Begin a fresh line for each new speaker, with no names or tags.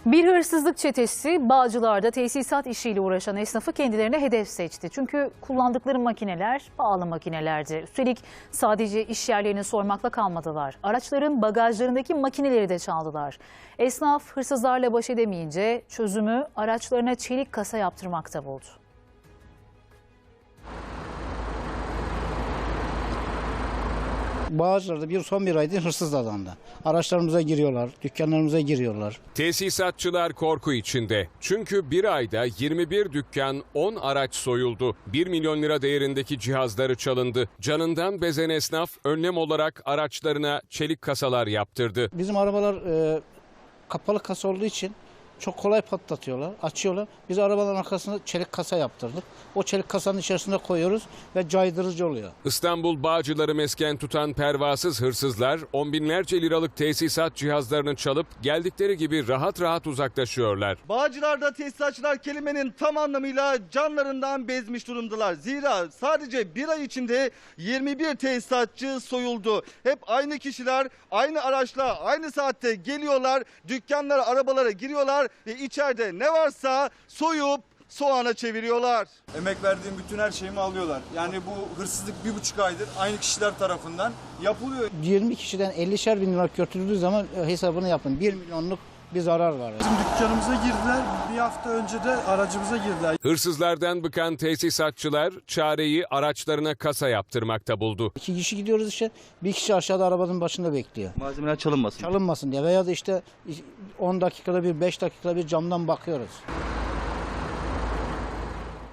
Bir hırsızlık çetesi Bağcılar'da tesisat işiyle uğraşan esnafı kendilerine hedef seçti. Çünkü kullandıkları makineler pahalı makinelerdi. Üstelik sadece iş yerlerini sormakla kalmadılar. Araçların bagajlarındaki makineleri de çaldılar. Esnaf hırsızlarla baş edemeyince çözümü araçlarına çelik kasa yaptırmakta buldu.
Bağcılar'da son bir aydır hırsız dadandı. Araçlarımıza giriyorlar, dükkanlarımıza giriyorlar.
Tesisatçılar korku içinde. Çünkü bir ayda 21 dükkan, 10 araç soyuldu. 1 milyon lira değerindeki cihazları çalındı. Canından bezen esnaf önlem olarak araçlarına çelik kasalar yaptırdı.
Bizim arabalar kapalı kasa olduğu için çok kolay patlatıyorlar, açıyorlar. Biz arabaların arkasına çelik kasa yaptırdık. O çelik kasanın içerisine koyuyoruz ve caydırıcı oluyor.
İstanbul Bağcılar'ı mesken tutan pervasız hırsızlar on binlerce liralık tesisat cihazlarını çalıp geldikleri gibi rahat rahat uzaklaşıyorlar.
Bağcılar'da tesisatçılar kelimenin tam anlamıyla canlarından bezmiş durumdalar. Zira sadece bir ay içinde 21 tesisatçı soyuldu. Hep aynı kişiler aynı araçla aynı saatte geliyorlar, dükkanlara, arabalara giriyorlar ve içeride ne varsa soyup soğana çeviriyorlar.
Emek verdiğim bütün her şeyimi alıyorlar. Yani bu hırsızlık 1,5 aydır aynı kişiler tarafından yapılıyor.
20 kişiden 50'şer bin lira götürüldüğü zaman hesabını yapın. 1 milyonluk bir zarar var.
Bizim dükkanımıza girdiler. Bir hafta önce de aracımıza girdiler.
Hırsızlardan bıkan tesisatçılar çareyi araçlarına kasa yaptırmakta buldu.
2 kişi gidiyoruz işte, bir kişi aşağıda arabanın başında bekliyor.
Malzemeler çalınmasın.
Çalınmasın diye veya da işte 10 dakikada bir, 5 dakikada bir camdan bakıyoruz.